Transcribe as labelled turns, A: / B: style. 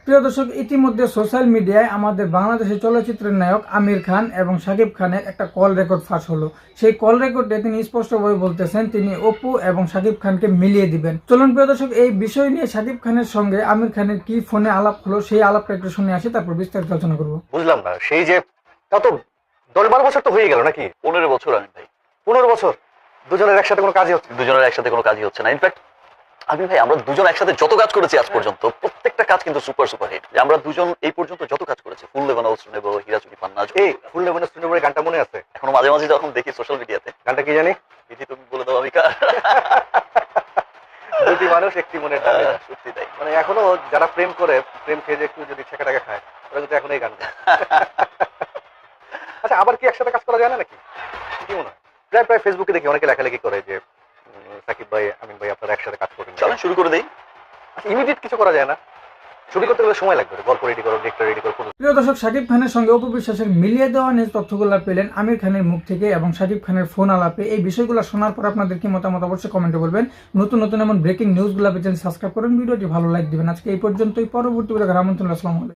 A: প্রিয় দর্শক, ইতিমধ্যে সোশ্যাল মিডিয়ায় আমাদের বাংলাদেশের চলচ্চিত্রের নায়ক আমির খান এবং শাকিব খানের একটা কল রেকর্ড ফাঁস হলো। সেই কল রেকর্ডে তিনি স্পষ্টভাবে বলতেছেন তিনি অপু এবং শাকিব খানকে মিলিয়ে দিবেন। চলুন প্রিয় দর্শক, এই বিষয় নিয়ে শাকিব খানের সঙ্গে আমির খানের কি ফোনে আলাপ হলো সেই আলাপটা একটু শুনে আসি, তারপর বিস্তারিত আলোচনা করবো।
B: বুঝলাম না, সেই যে তা তো 10-12 বছর তো হয়ে গেল নাকি?
C: 15 বছর আমি ভাই।
B: 15 বছর দুজনের একসাথে কোনো কাজই হচ্ছে না।
C: দুজনের একসাথে কোনো কাজই হচ্ছে না। ইনফ্যাক্ট আমি ভাই, আমরা দুজন একসাথে যত কাজ করেছি আজ পর্যন্ত, প্রত্যেকটা কাজ কিন্তু সুপার হিট। আমরা দুজন এই পর্যন্ত যত কাজ করেছি, ফুল লেবানা উৎসব নেব, হীরাচুরি পান্না,
B: এই ফুল লেমনের স্টুডিওর গানটা মনে আছে?
C: এখনো মাঝে মাঝে যখন দেখি সোশ্যাল মিডিয়াতে।
B: গানটা কি জানি?
C: বিধি তুমি বলে দাও আমি কার।
B: দুটি মানুষ একটি মনের দাবি।
C: সত্যি তাই।
B: মানে এখনো যারা প্রেম করে, প্রেম খেয়ে যে একটু যদি ছেঁকা খায়, ওরা কিন্তু এখন এই গান গায়। আচ্ছা, আবার কি একসাথে কাজ করা যায় না নাকি? কি মনে হয়? প্রায় ফেসবুকে দেখি অনেকে লেখালেখি করে যে সাকিব ভাই, আমিন ভাই আপনারা একসাথে কাজ করবেন,
C: চলেন শুরু করে দেই।
B: আচ্ছা, ইমিডিয়েট কিছু করা যায় না? শুরু করতে গেলে সময় লাগবে, গল্প রেডি করো, ডিরেক্টর রেডি করো।
A: প্রিয় দর্শক, শাকিব খানের সঙ্গে অপু বিশ্বাসের মিলিয়ে দেওয়া নিয়ে তথ্যগুলো পেলেন আমির খানের মুখ থেকে এবং শাকিব খানের ফোন আলাপে। এই বিষয়গুলো শোনার পর আপনাদের কি মতামত অবশ্যই কমেন্টে বলবেন। নতুন নতুন এমন ব্রেকিং নিউজগুলো পেতে সাবস্ক্রাইব করেন, ভিডিওটি ভালো লাইক দিবেন। আজকে এই পর্যন্তই, পরবর্তী ভিডিও আমন্ত্রণ। আসসালামু আলাইকুম।